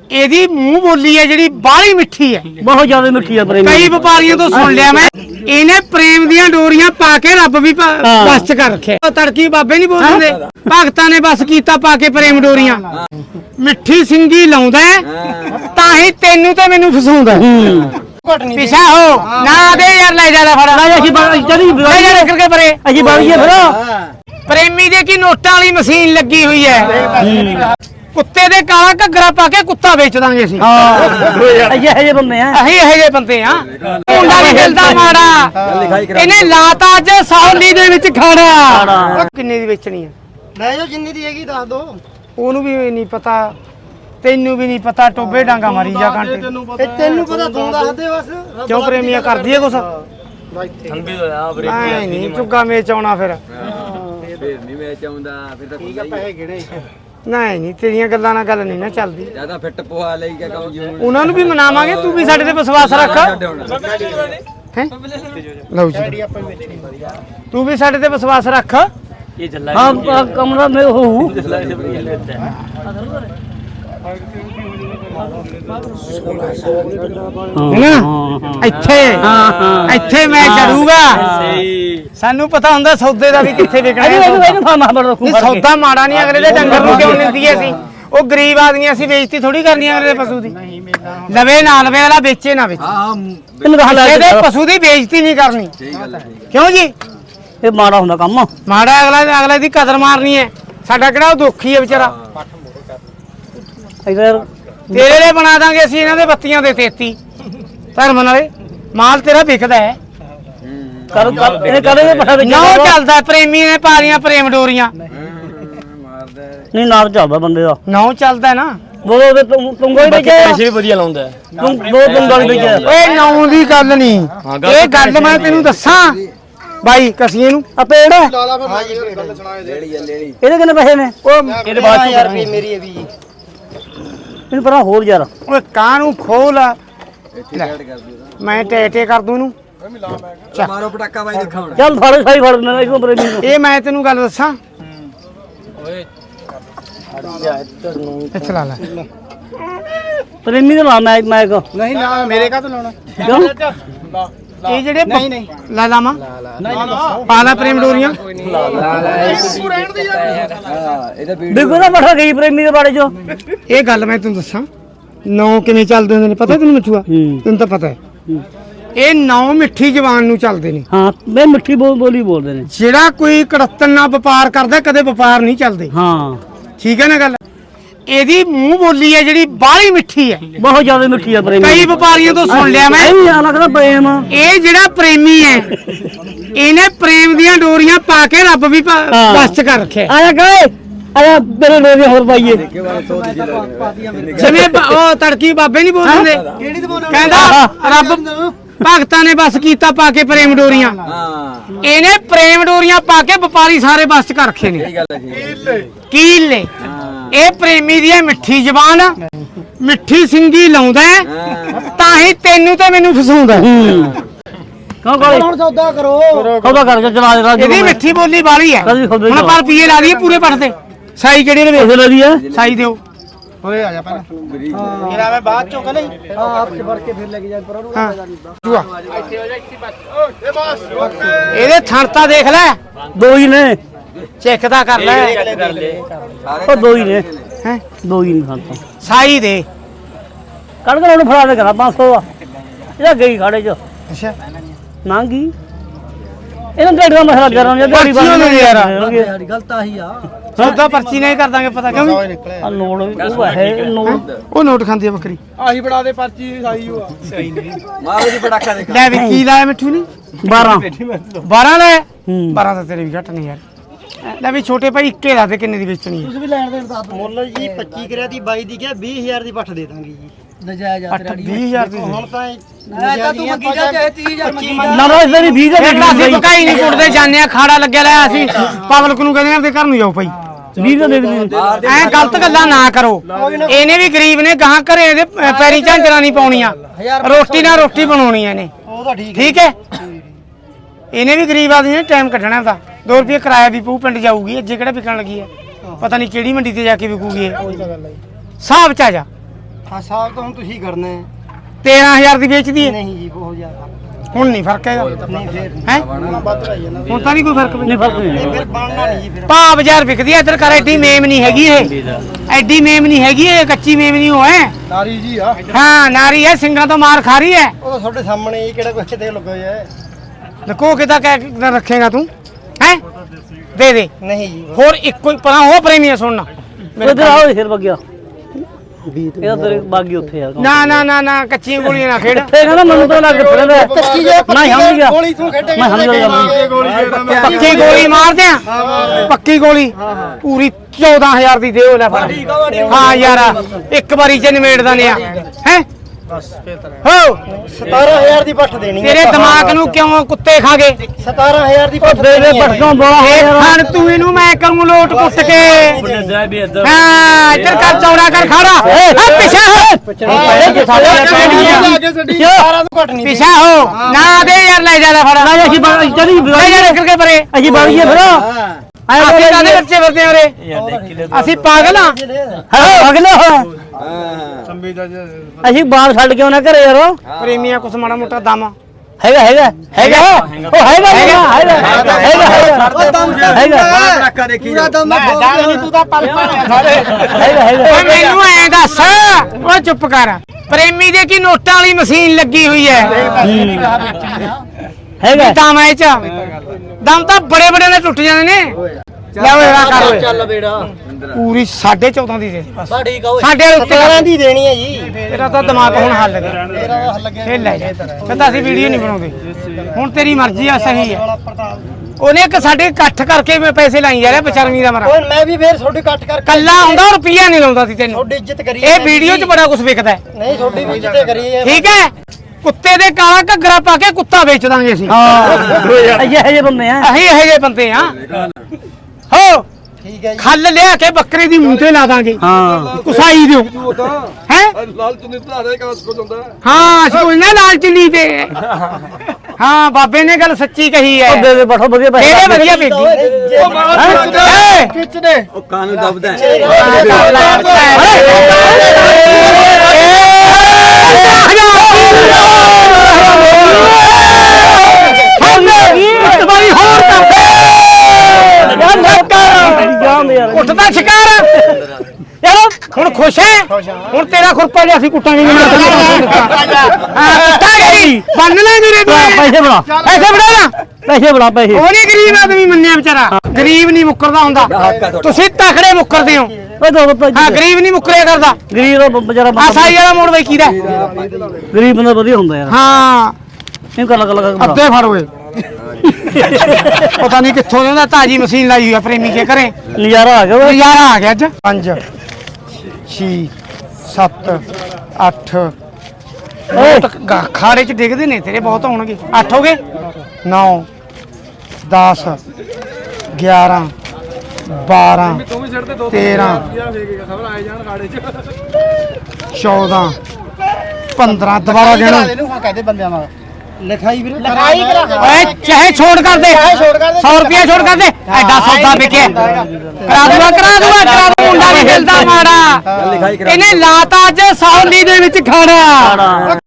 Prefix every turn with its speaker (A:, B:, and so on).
A: ਇਹਦੀ ਮੂੰਹ ਬੋਲੀ ਹੈ ਜਿਹੜੀ ਬਾਹਲੀ ਮਿੱਠੀ ਹੈ,
B: ਬਹੁਤ ਜ਼ਿਆਦਾ ਮਿੱਠੀ ਹੈ ਪ੍ਰੇਮੀ।
A: ਕਈ ਵਪਾਰੀਆਂ ਤੋਂ ਸੁਣ ਲਿਆ ਮੈਂ, ਇਹਨੇ ਪ੍ਰੇਮ ਦੀਆਂ ਡੋਰੀਆਂ ਪਾ ਕੇ ਰੱਬ ਵੀ ਬਸ ਚ ਕਰ ਰੱਖਿਆ। ਤੜਕੀ ਬਾਬੇ ਨਹੀਂ ਬੋਲਦੇ, ਭਗਤਾਂ ਨੇ ਬਸ ਕੀਤਾ ਪਾ ਕੇ ਪ੍ਰੇਮ ਡੋਰੀਆਂ। ਮਿੱਠੀ ਸਿੰਗੀ ਲਾਉਂਦਾ ਤਾਂ ਹੀ ਤੈਨੂੰ ਤੇ ਮੈਨੂੰ ਫਸਾਉਂਦਾ। ਪਿਛਾ ਹੋ ਨਾ ਦੇ ਯਾਰ, ਲੈ ਜਾ ਫੜ, ਲੈ ਜਾ ਕਰਕੇ ਪਰੇ
B: ਅਸੀਂ ਬਾੜੀਏ ਫਿਰ
A: ਪ੍ਰੇਮੀ ਦੇ ਕੀ ਨੋਟਾਂ ਵਾਲੀ ਮਸ਼ੀਨ ਲੱਗੀ ਹੋਈ ਹੈ। ਕੁੱਤੇ ਦੇ ਕਾਲਾ ਘੱਗਰਾ ਪਾ ਕੇ ਕੁੱਤਾ ਵੇਚ ਦਾਂਗੇ ਅਸੀਂ।
B: ਅਸੀਂ ਇਹੋ ਜਿਹੇ ਬੰਦੇ ਆ,
A: ਅਸੀਂ ਇਹੋ ਜਿਹੇ ਬੰਦੇ ਆ। ਮੁੰਡਾ ਨਹੀਂ ਮਿਲਦਾ ਮਾੜਾ, ਇਹਨੇ ਲਾਤਾ ਅੱਜ ਸੌਲੀ ਦੇ ਵਿੱਚ ਖਾੜਾ। ਕਿੰਨੇ ਦੀ ਵੇਚਣੀ ਹੈ?
C: ਲੈ ਜਾ ਜਿੰਨੀ ਦੀ ਹੈਗੀ ਦੱਸ ਦੋ।
A: ਉਹਨੂੰ ਵੀ ਨਹੀਂ ਪਤਾ, ਤੈਨੂੰ ਵੀ ਨਹੀਂ ਪਤਾ, ਟੋਬੇ ਡਾਂਗਾ ਮਾਰੀ ਜਾ ਘੰਟੇ।
C: ਤੈਨੂੰ ਪਤਾ ਤੂੰ ਦੱਸ ਦੇ ਬਸ।
A: ਕਿਉਂ ਪ੍ਰੇਮੀਆਂ ਕਰਦੀ ਹੈ ਕੁਛ? ਨਹੀਂ ਚੁੱਗਾ ਮੇਚ ਆਉਣਾ ਫਿਰ।
D: ਨਹੀਂ ਮੈਂ ਚਾਹੁੰਦਾ ਫਿਰ ਤਾਂ
C: ਠੀਕ ਆ, ਪੈਸੇ ਗਿਣੇ।
A: ਨਹੀਂ ਤੇਰੀਆਂ ਗੱਲਾਂ ਨਾਲ ਗੱਲ ਨਹੀਂ ਨਾ ਚੱਲਦੀ।
D: ਜਿਆਦਾ ਫਿੱਟ ਪਵਾ ਲਈ ਕਿ ਕਹੂੰ ਜੀ
A: ਉਹਨਾਂ ਨੂੰ ਵੀ ਮਨਾਵਾਂਗੇ, ਤੂੰ ਵੀ ਸਾਡੇ ਤੇ ਵਿਸ਼ਵਾਸ ਰੱਖ। ਹੈ ਲਓ ਜੀ, ਤੂੰ ਵੀ ਸਾਡੇ ਤੇ ਵਿਸ਼ਵਾਸ ਰੱਖ।
B: ਹਾਂ ਕਮਰਾ ਮੇ ਹੋਊ
A: ਇੱਥੇ ਮੈਂ ਕਰੂਗਾ। ਸਾਨੂੰ ਪਤਾ ਹੁੰਦਾ ਸੌਦੇ ਦਾ ਵੀ ਕਿੱਥੇ ਵਿਕਣਾ। ਸੌਦਾ ਮਾੜਾ ਨਹੀਂ, ਅਗਲੇ ਦੇ ਡੰਗਰ ਨੂੰ ਕਿਉਂ ਨਿੰਦੀਏ ਅਸੀਂ? ਉਹ ਗਰੀਬ ਆਦਮੀ, ਅਸੀਂ ਬੇਇੱਜ਼ਤੀ ਥੋੜੀ ਕਰਨੀ ਅਗਲੇ ਦੇ ਪਸ਼ੂ ਦੀ। ਲਵੇ ਨਾ ਲਵੇ ਵਾਲਾ ਵੇਚੇ ਨਾ ਵੇਚੇ, ਇਹਦੇ ਪਸ਼ੂ ਦੀ ਬੇਇੱਜ਼ਤੀ ਨਹੀਂ ਕਰਨੀ। ਕਿਉਂ ਜੀ?
B: ਇਹ ਮਾੜਾ ਹੁੰਦਾ ਕੰਮ,
A: ਮਾੜਾ ਅਗਲੇ ਦੀ ਕਦਰ ਮਾਰਨੀ ਹੈ। ਸਾਡਾ ਕਿਹੜਾ ਉਹ ਦੁੱਖੀ ਹੈ ਵਿਚਾਰਾ।
B: ਇਧਰ
A: ਤੇਰੇ ਲਈ ਬਣਾ ਦਾਂਗੇ ਅਸੀਂ ਇਹਨਾਂ ਦੇ ਬੱਤੀਆਂ ਦੇ 33 ਧਰਮ ਨਾਲੇ। ਮਾਲ ਤੇਰਾ ਵਿਕਦਾ ਹੈ,
B: ਕਰ ਇਹ ਕਰੇ ਪਠਾ ਵਿੱਚ
A: ਨੌ ਚੱਲਦਾ। ਪ੍ਰੇਮੀ ਨੇ ਪਾਲੀਆਂ ਪ੍ਰੇਮ ਡੋਰੀਆਂ,
B: ਨਹੀਂ ਨਾਲ ਚੱਲਦਾ ਬੰਦੇ ਦਾ।
A: ਨੌ ਚੱਲਦਾ ਨਾ।
B: ਬੋਲੋ ਤੇ ਤੁੰਗੋ ਹੀ ਵਿੱਚ
E: ਪੈਸੇ ਵੀ ਵਧੀਆ ਲਾਉਂਦਾ
B: ਤੂੰ ਦੋ ਤੁੰਗਾਂ ਦੇ ਵਿੱਚ।
A: ਓਏ ਨੌ ਦੀ ਗੱਲ ਨਹੀਂ, ਇਹ ਗੱਲ ਮੈਂ ਤੈਨੂੰ ਦੱਸਾਂ ਬਾਈ ਕਸੀਏ ਨੂੰ ਅਪੇੜ।
B: ਇਹਦੇ ਕਿੰਨੇ ਪੈਸੇ ਨੇ?
A: ਉਹ
E: ਇਹਦੇ ਬਾਅਦ ਚ
C: ਯਾਰ ਰੁਪਏ ਮੇਰੀ ਹੈ ਵੀ ਜੀ।
B: ਇਹਨੂੰ ਪਰਾਂ ਹੋਰ ਯਾਰ।
A: ਓਏ ਕਾਂ ਨੂੰ ਖੋਲ, ਮੈਂ ਟੇਟੇ ਕਰ ਦੂੰ ਇਹਨੂੰ।
D: ਮਾਰੋ ਪਟਾਕਾ ਬਾਈ ਦਿਖਾਉਣ।
B: ਚੱਲ ਫੜ ਸਾਈ ਫੜ ਲੈਣਾ ਇਹਨੂੰ ਪ੍ਰੇਮੀ ਨੂੰ।
A: ਇਹ ਮੈਂ ਤੈਨੂੰ ਗੱਲ ਦੱਸਾਂ, ਇੱਥੇ ਲਾ ਲੈ।
B: ਪ੍ਰੇਮੀ ਦਾ ਨਾਮ ਮੈਂ
C: ਨਹੀਂ ਨਾ ਮੇਰੇ ਕਾ ਤੋਂ ਲਾਉਣਾ।
B: ਕਿਉਂ?
A: ਇਹ ਜਿਹੜੇ
C: ਨਹੀਂ
A: ਲੈ ਲਾਵਾਂ ਪਾਲਾ ਪ੍ਰੇਮ ਡੋਰੀਆਂ।
B: ਬਿਗੂ ਦਾ ਪਠਾ ਗਈ ਪ੍ਰੇਮੀ ਦੇ ਬਾੜੇ ਚੋਂ।
A: ਇਹ ਗੱਲ ਮੈਂ ਤੈਨੂੰ ਦੱਸਾਂ, ਨੌ ਕਿਵੇਂ ਚੱਲਦੇ ਹੁੰਦੇ ਨੇ ਪਤਾ ਤੈਨੂੰ ਮਿੱਠੂਆ? ਤੈਨੂੰ ਤਾਂ ਪਤਾ ਹੈ। ਇਹ ਨੌ ਮਿੱਠੀ ਜ਼ਬਾਨ ਨੂੰ ਚੱਲਦੇ ਨੇ।
B: ਹਾਂ ਮੈਂ ਮਿੱਠੀ ਬੋਲੀ ਬੋਲਦੇ ਨੇ।
A: ਜਿਹੜਾ ਕੋਈ ਕੜੱਤਨ ਨਾਲ ਵਪਾਰ ਕਰਦਾ ਕਦੇ ਵਪਾਰ ਨਹੀਂ ਚੱਲਦੇ।
B: ਹਾਂ
A: ਠੀਕ ਹੈ ਨਾ ਗੱਲ? ਇਹਦੀ ਮੂੰਹ ਬੋਲੀ ਹੈ ਜਿਹੜੀ ਬਾਹਲੀ ਮਿੱਠੀ ਹੈ,
B: ਬਹੁਤ ਜ਼ਿਆਦਾ ਮਿੱਠੀ ਹੈ ਪ੍ਰੇਮੀ।
A: ਕਈ ਵਪਾਰੀਆਂ ਤੋਂ ਸੁਣ ਲਿਆ ਮੈਂ,
B: ਇਹ ਲੱਗਦਾ ਪ੍ਰੇਮ।
A: ਇਹ ਜਿਹੜਾ ਪ੍ਰੇਮੀ ਹੈ ਇਹਨੇ ਪ੍ਰੇਮ ਦੀਆਂ ਡੋਰੀਆਂ ਪਾ ਕੇ ਰੱਬ ਵੀ ਬਸ ਚ ਕਰ ਰੱਖਿਆ।
B: ਆਇਆ ਗਏ ਆਇਆ ਤੇਰੇ ਡੋਰੀਆਂ ਹੋਰ ਪਾਈਏ।
A: ਜਿਵੇਂ ਉਹ ਤੜਕੀ ਬਾਬੇ ਨਹੀਂ ਬੋਲਦੇ, ਕਹਿੰਦਾ ਰੱਬ ਭਗਤਾਂ ਨੇ ਬਸ ਕੀਤਾ ਪਾ ਕੇ ਪ੍ਰੇਮ ਡੋਰੀਆਂ। ਇਹਨੇ ਪ੍ਰੇਮ ਡੋਰੀਆਂ ਪਾ ਕੇ ਵਪਾਰੀ ਸਾਰੇ ਬਸ ਚ ਕਰ ਰੱਖੇ ਨੇ। ਕੀਲ ਨੇ ਇਹ ਪ੍ਰੇਮੀ ਦੀ ਮਿੱਠੀ ਜ਼ਬਾਨ, ਮਿੱਠੀ ਸਿੰਗੀ ਲਾਉਂਦਾ ਤਾਂ ਹੀ ਤੈਨੂੰ ਤੇ ਮੈਨੂੰ ਫਸਾਉਂਦਾ।
B: ਕੌਣ ਕੋਲੇ
C: ਹੁਣ ਸੌਦਾ ਕਰੋ।
B: ਸੌਦਾ ਕਰ ਚਲਾ ਦੇ।
A: ਇਹਦੀ ਮਿੱਠੀ ਬੋਲੀ ਵਾਲੀ ਹੈ। ਹੁਣ ਪਰ ਪੀਏ ਲਾ ਦਈਏ ਪੂਰੇ ਪੱਟ ਤੇ। ਸਾਈ ਕਿਹੜੀ ਨੇ ਵੇਖ
B: ਲੈ ਦੀ ਹੈ
A: ਸਾਈ ਦਿਓ।
C: ਹੋਏ ਆ ਜਾ ਪਹਿਲਾਂ। ਮੇਰਾ ਮੈਂ ਬਾਅਦ ਚੋਂ ਕਹਿੰਦਾ ਹਾਂ ਆਪ ਚ ਵੜ ਕੇ ਫਿਰ ਲੈ ਕੇ ਜਾ ਪਰ ਉਹਨੂੰ
A: ਇਹਦੇ ਥਣ ਤਾਂ ਦੇਖ ਲੈ,
B: ਦੋ ਹੀ ਨੇ।
A: ਚੈੱਕ ਤਾਂ ਕਰ ਲੈ।
B: ਉਹ ਦੋ ਹੀ ਨੇ
A: ਹੈ
B: ਦੋ ਹੀ ਨੇ ਖਾਤਾ।
A: ਸਾਈ ਦੇ
B: ਕੱਢ ਕੇ ਉਹਨੂੰ ਫੜਾ ਦੇ ਕਰਾ 500 ਆ। ਇਹਦਾ ਗਈ ਖਾੜੇ ਚ
A: ਅੱਛਾ
B: ਨਾਂਗੀ। ਇਹਨਾਂ ਡੇਢ ਦਾ ਮਸਲਾ ਕਰਾਂ ਜਾਂ ਦਿਹਾੜੀ
A: ਪਰਚੀ ਉਹਨੂੰ ਯਾਰ।
C: ਯਾਰੀ ਗਲਤ ਆਹੀ ਆ।
A: ਸੌਦਾ ਪਰਚੀ ਨਹੀਂ ਕਰ ਦਾਂਗੇ ਪਤਾ ਕਿਉਂ?
B: ਆ ਨੋਟ ਉਹ ਹੈ ਨੋਟ।
A: ਉਹ ਨੋਟ ਖਾਂਦੀ ਆ ਬੱਕਰੀ।
C: ਆਹੀ ਬੜਾ ਦੇ ਪਰਚੀ ਸਾਈ ਹੋ ਆ। ਸਹੀ ਨਹੀਂ
D: ਮਾਰੋ ਜੀ ਪਟਾਕਾ ਦਿਖਾ।
A: ਲੈ ਵੀ ਕੀ ਲਾਇਆ ਮਿੱਠੂ ਨੇ?
B: 12
A: 12 ਲੈ।
B: ਹੂੰ
A: 12 ਤਾਂ ਤੇਰੇ ਵੀ ਘੱਟ ਨਹੀਂ ਯਾਰ। ਲੈ ਵੀ ਛੋਟੇ ਭਾਈ ਇੱਕੇ ਦਾ ਤੇ ਕਿੰਨੇ ਦੀ ਵੇਚਣੀ ਹੈ?
C: ਤੁਸੀਂ ਵੀ ਲੈਣ ਦੇਣ ਦੱਸ। ਮੁੱਲ ਜੀ 25 ਕਰਿਆ ਦੀ 22 ਦੀ ਕਿਹਾ 20000 ਦੀ ਪੱਠ ਦੇ ਦਾਂਗੇ ਜੀ। ਨਜਾਇਜ਼ ਆ
A: 20,000 ਦੀ
C: ਹੁਣ ਤਾਂ ਤਾਂ ਤੂੰ ਮੰਗੀ ਜਾ ਚਾਹੇ 30000 ਮੰਗੀ
B: ਨਾ ਨਾ ਇਸ ਵਾਰੀ 20 ਦਾ
A: ਇੱਕ ਅਸੀਂ ਪਕਾਈ ਨਹੀਂ ਕੁੱਟਦੇ ਜਾਂਦੇ ਆ, ਖਾੜਾ ਲੱਗਿਆ ਲਿਆ ਅਸੀਂ ਪਬਲਿਕ ਨੂੰ ਕਹਿੰਦੇ ਆ ਤੇ ਘਰ ਨੂੰ ਜਾਓ ਭਾਈ।
B: 20 ਦਾ ਦੇ ਦੇ।
A: ਐ ਗਲਤ ਗੱਲਾਂ ਨਾ ਕਰੋ। ਇਹਨੇ ਵੀ ਗਰੀਬ ਨੇ ਗਾਂ ਘਰੇ ਇਹਦੇ ਪੈਰੀ ਝਾਂਜਰਾਂ ਨਹੀਂ ਪਾਉਣੀਆਂ, ਰੋਟੀ ਨਾਲ ਰੋਟੀ ਬਣਾਉਣੀ ਇਹਨੇ।
C: ਉਹ ਤਾਂ ਠੀਕ
A: ਠੀਕ ਹੈ। ਇਹਨੇ ਵੀ ਗਰੀਬ ਆਦਮੀ ਨੇ ਟਾਈਮ ਕੱਢਣਾ ਦਾ। 2 ਰੁਪਏ ਕਿਰਾਇਆ ਵੀ ਪਊ, ਪਿੰਡ ਜਾਊਗੀ। ਅੱਜੇ ਕਿਹੜਾ ਵਿਕਣ ਲੱਗੀ ਹੈ, ਪਤਾ ਨਹੀਂ ਕਿਹੜੀ ਮੰਡੀ ਤੇ ਜਾ ਕੇ ਵਿਕੂਗੀ ਇਹ। ਹਿਸਾਬ ਚ ਆ ਜਾ।
C: ਹਾਂ ਸਾਹਿਬ ਤਾਂ ਹੁਣ ਤੁਸੀਂ ਕਰਨਾ ਹੈ
A: 13000 ਦੀ ਵੇਚਦੀ ਹੈ
C: ਨਹੀਂ ਜੀ ਬਹੁਤ ਜ਼ਿਆਦਾ
A: ਹੁਣ ਨਹੀਂ ਫਰਕ ਹੈਗਾ
C: ਨਹੀਂ ਫੇਰ
A: ਹੈ
C: ਵੱਧ ਰਹੀ ਜਾਂਦਾ
A: ਹੁਣ ਤਾਂ ਨਹੀਂ ਕੋਈ ਫਰਕ
B: ਨਹੀਂ ਫਰਕ ਨਹੀਂ
C: ਫਿਰ ਬਣਨਾ ਨਹੀਂ ਜੀ ਫਿਰ
A: ਭਾਅ ਬਾਜ਼ਾਰ ਵਿਕਦੀ ਹੈ ਇੱਧਰ ਕਰ ਐਡੀ ਮੇਮ ਨਹੀਂ ਹੈਗੀ ਇਹ ਐਡੀ ਮੇਮ ਨਹੀਂ ਹੈਗੀ ਇਹ ਕੱਚੀ ਮੇਮ ਨਹੀਂ ਹੋਏ
C: ਨਾਰੀ ਜੀ ਆ
A: ਹਾਂ ਨਾਰੀ ਹੈ ਸਿੰਘਾਂ ਤੋਂ ਮਾਰ ਖਾ ਰਹੀ ਹੈ
C: ਉਹ ਤਾਂ ਤੁਹਾਡੇ ਸਾਹਮਣੇ ਹੀ ਕਿਹੜਾ ਕੁਛ ਤੇ ਲੱਗਾ ਹੋਇਆ ਹੈ
A: ਲਕੋ ਕਿਦਾਂ ਕਹਿ ਰੱਖੇਗਾ ਤੂੰ ਹੈ ਦੇ ਦੇ
C: ਨਹੀਂ ਜੀ
A: ਹੋਰ ਇੱਕੋ ਹੀ ਪਰਾਂ ਹੋ ਪ੍ਰੇਮੀਆਂ ਸੁਣਨਾ
B: ਇਧਰ ਆਓ ਫਿਰ ਵਗਿਆ ਇਹ ਤੇਰੇ ਬਾਗੀ ਉੱਥੇ ਯਾਰ
A: ਨਾ ਨਾ ਨਾ ਨਾ ਕੱਚੀਆਂ ਗੋਲੀਆਂ ਨਾ ਖੇਡ
B: ਫੇਰ ਕਹਿੰਦਾ ਮੈਨੂੰ ਤਾਂ ਲੱਗ ਫਿਰਦਾ
C: ਕੱਚੀ ਜੇ
B: ਮੈਂ ਸਮਝ ਗਿਆ
C: ਗੋਲੀ ਤੂੰ ਖੇਡੇਗਾ
B: ਮੈਂ ਸਮਝ ਗਿਆ
A: ਪੱਕੀ ਗੋਲੀ ਮਾਰਦੇ ਆ ਪੱਕੀ ਗੋਲੀ ਪੂਰੀ 14000 ਦੀ ਦੇ ਉਹ ਲੈ ਫੜ ਹਾਂ ਯਾਰ ਇੱਕ ਵਾਰੀ ਚ ਨਿਮੇੜਦਾ ਨੇ ਆ ਹੈ ਹੋ
C: 17000 ਦੀ ਪੱਠ ਦੇਣੀ ਹੈ
A: ਤੇਰੇ ਦਿਮਾਗ ਨੂੰ ਕਿਉਂ ਕੁੱਤੇ ਖਾ ਗਏ
C: 17000 ਦੀ ਪੱਠ
B: ਦੇ ਦੇ
C: ਦੇਣੀ ਹੈ
B: ਪਟਕੋਂ ਬੋਲਾ
A: ਇਹ ਖਾਨ ਤੂੰ ਇਹਨੂੰ ਮੈਂ ਕਰੂੰ ਲੋਟ ਕੁੱਟ ਕੇ ਹਾਂ ਇੱਧਰ ਕਰ ਚੌੜਾ ਕਰ ਖੜਾ ਆ ਪਿਛਾ ਹੋ
C: ਸਾਰਾ ਤੋਂ ਘੱਟ ਨਹੀਂ
A: ਪਿਛਾ ਹੋ ਨਾ ਦੇ ਯਾਰ ਲੈ ਜਾ ਲੈ ਫੜ
B: ਨਾ ਅਸੀਂ ਚਲੀ
A: ਲੈ ਜਾ ਨਿਕਲ ਕੇ ਪਰੇ
B: ਅਸੀਂ ਬਾਗੀਏ ਫਿਰ
A: ਅਸੀਂ ਕਾਹਦੇ ਬੱਚੇ ਫਿਰਦੇ ਆ ਉਰੇ ਅਸੀਂ ਪਾਗਲ ਆ
B: ਅਗਲੇ ਅਸੀਂ ਬਾਹਰ ਛੱਡ ਕੇ ਆਉਣਾ ਘਰੇ ਯਾਰ
A: ਪ੍ਰੇਮੀਆਂ ਕੁਛ ਮਾੜਾ ਮੋਟਾ ਦਮ
B: ਹੈਗਾ ਹੈਗਾ ਹੈਗਾ ਉਹ ਹੈਗਾ ਹੈਗਾ
D: ਪਟਾਕਾ ਦੇਖੀ ਜਾ
C: ਤੂੰ ਤਾਂ ਪਲ
A: ਓਏ ਮੈਨੂੰ ਐਂ ਦੱਸ ਓ ਚੁੱਪ ਕਰ ਪ੍ਰੇਮੀ ਦੇ ਕੀ ਨੋਟਾਂ ਵਾਲੀ ਮਸ਼ੀਨ ਲੱਗੀ ਹੋਈ ਹੈ
B: ਹੈਗਾ
A: ਦਮ ਐ ਚ ਦਮ ਤਾਂ ਬੜੇ ਬੜੇ ਨੇ ਟੁੱਟ ਜਾਂਦੇ ਨੇ ਲੈ ਓਏ ਆ ਕਰ ਓਏ
C: ਚੱਲ ਬੇੜਾ
A: ਪੂਰੀ 14.5 ਦੀ ਦੇ ਬਸ
C: ਬਾ ਠੀਕ ਆ ਓਏ
A: ਸਾਡੇ ਵਾਲੇ ਉੱਤੇ
C: 17 ਦੀ ਦੇਣੀ ਹੈ ਜੀ
A: ਤੇਰਾ ਤਾਂ ਦਿਮਾਗ ਹੁਣ ਹੱਲ ਗਿਆ
C: ਤੇਰਾ ਹੱਲ ਲੱਗਿਆ
A: ਇਹ ਲੈ ਜਾ ਫਿਰ ਤਾਂ ਅਸੀਂ ਵੀਡੀਓ ਨਹੀਂ ਬਣਾਉਂਦੇ ਹੁਣ ਤੇਰੀ ਮਰਜ਼ੀ ਆ ਸਹੀ ਹੈ ਉਹਨੇ ਇੱਕ ਸਾਡੇ ਇਕੱਠ ਕਰਕੇ ਮੈਂ ਪੈਸੇ ਲਾਈ ਜਾ ਰਿਹਾ ਬਚਰਮੀ ਦਾ ਮਰਾ
C: ਓਏ ਮੈਂ ਵੀ ਫੇਰ ਤੁਹਾਡੀ ਕੱਟ ਕਰਕੇ
A: ਕੱਲਾ ਆਉਂਦਾ ਰੁਪਈਆ ਨਹੀਂ ਲਾਉਂਦਾ ਸੀ ਤੈਨੂੰ
C: ਤੁਹਾਡੀ ਇੱਜ਼ਤ ਕਰੀ
A: ਇਹ ਵੀਡੀਓ 'ਚ ਬੜਾ ਕੁਝ ਵਿਕਦਾ ਹੈ
C: ਨਹੀਂ ਤੁਹਾਡੀ ਵੀ ਇੱਜ਼ਤ ਕਰੀ ਹੈ
A: ਠੀਕ ਹੈ ਕੁੱਤੇ ਦੇ ਕਾਲਾ ਘੱਗਰਾ ਪਾ ਕੇ ਕੁੱਤਾ ਵੇਚ ਦਾਂਗੇ ਅਸੀਂ
B: ਹਾਂ ਇਹ ਜਿਹੇ ਬੰਦੇ ਆ
A: ਅਸੀਂ ਇਹੋ ਜਿਹੇ ਬੰਦੇ ਆ ਹੋ
C: ਠੀਕ ਹੈ ਜੀ
A: ਖੱਲ ਲਿਆ ਕੇ ਬੱਕਰੇ ਦੀ ਮੂੰਹ ਤੇ ਲਾ ਦਾਂਗੇ
B: ਹਾਂ
A: ਕੁਸਾਈ ਦਿਓ ਹੈ
D: ਲਾਲ ਚੁੰਨੀ ਤੇ ਹਰੇ ਕਾਸ ਕੋ ਜਾਂਦਾ
A: ਹਾਂ ਸਕੂਲ ਨਾ ਲਾਲ ਚੁੰਨੀ ਤੇ ਹਾਂ ਬਾਬੇ ਨੇ ਗੱਲ ਸੱਚੀ ਕਹੀ ਹੈ
B: ਦੇ ਦੇ ਬੈਠੋ ਵਧੀਆ ਪੈਸੇ
A: ਇਹਦੇ ਵਧੀਆ ਵੇਚੀ
C: ਖਿੱਚ ਦੇ
D: ਉਹ ਕਾਨੂੰ ਦਬਦਾ
A: ਉੱਠਦਾ ਸ਼ਿਕਾਰ ਯਾਰ ਹੁਣ ਖੁਸ਼ ਹੈ ਹੁਣ ਤੇਰਾ ਖੁਰਪਾ ਜਿਹਾ ਅਸੀਂ ਕੁੱਟਾਂਗੇ ਬੰਨ ਲੈ ਮੇਰੇ
B: ਪੈਸੇ ਬਣਾ
A: ਪੈਸੇ ਬੜਾ ਨਾ
B: ਪੈਸੇ ਬਣਾ ਪੈਸੇ
A: ਉਹ ਨਹੀਂ ਗਰੀਬ ਆਦਮੀ ਮੰਨਿਆ ਵਿਚਾਰਾ ਗਰੀਬ ਨਹੀਂ ਮੁੱਕਰਦਾ ਹੁੰਦਾ ਤੁਸੀਂ ਤਖੜੇ ਮੁੱਕਰਦੇ ਹੋ
B: ਓ ਦੋ
A: ਹਾਂ ਗਰੀਬ ਨਹੀਂ ਮੁੱਕਰਿਆ ਕਰਦਾ
B: ਗਰੀਬ ਦਾ ਵਿਚਾਰਾ
A: ਆ ਸਾਈ ਵਾਲਾ ਮੋੜ ਵੇਖੀ ਦਾ
B: ਗਰੀਬ ਬੰਦਾ ਵਧੀਆ ਹੁੰਦਾ ਯਾਰ
A: ਹਾਂ
B: ਇਹ ਕਰ ਲਗਾ
A: ਅੱਧੇ ਫੜ ਹੋਏ ਪਤਾ ਨਹੀਂ ਕਿੱਥੋਂ ਲਿਆਂਦਾ ਤਾਜੀ ਮਸ਼ੀਨ ਲਾਈ ਹੋਈ ਆ ਪ੍ਰੇਮੀ ਕੇ ਘਰੇ
B: ਨਜ਼ਾਰਾ ਆ ਗਿਆ ਓਏ
A: ਨਜ਼ਾਰਾ ਆ ਗਿਆ ਅੱਜ 5 6 7 8 ਖਾੜੇ ਚ ਡਿੱਗਦੇ ਨੇ ਤੇਰੇ ਬਹੁਤ ਹੋਣਗੇ 8 ਹੋ ਗਏ 9 10 11 12 13 14 15 ਦੁਬਾਰਾ ਗਿਣੋ
C: ਕਹਦੇ ਬੰਦਿਆਂ ਨਾਲ ਲਿਖਾਈ ਵੀਰੇ ਲਿਖਾਈ
A: ਓਏ ਚਾਹੇ ਛੋੜ ਕਰ ਦੇ 100 ਰੁਪਏ ਛੋੜ ਕਰ ਦੇ ਐਡਾ ਸੌਦਾ ਵਿਕਿਆ ਕਰਾ ਦੂਗਾ ਮੁੰਡਾ ਨਹੀਂ ਹਿਲਦਾ ਮਾੜਾ ਇਹਨੇ ਲਾਤਾ ਅੱਜ ਸੌਲੀ ਦੇ ਵਿੱਚ ਖਾੜਾ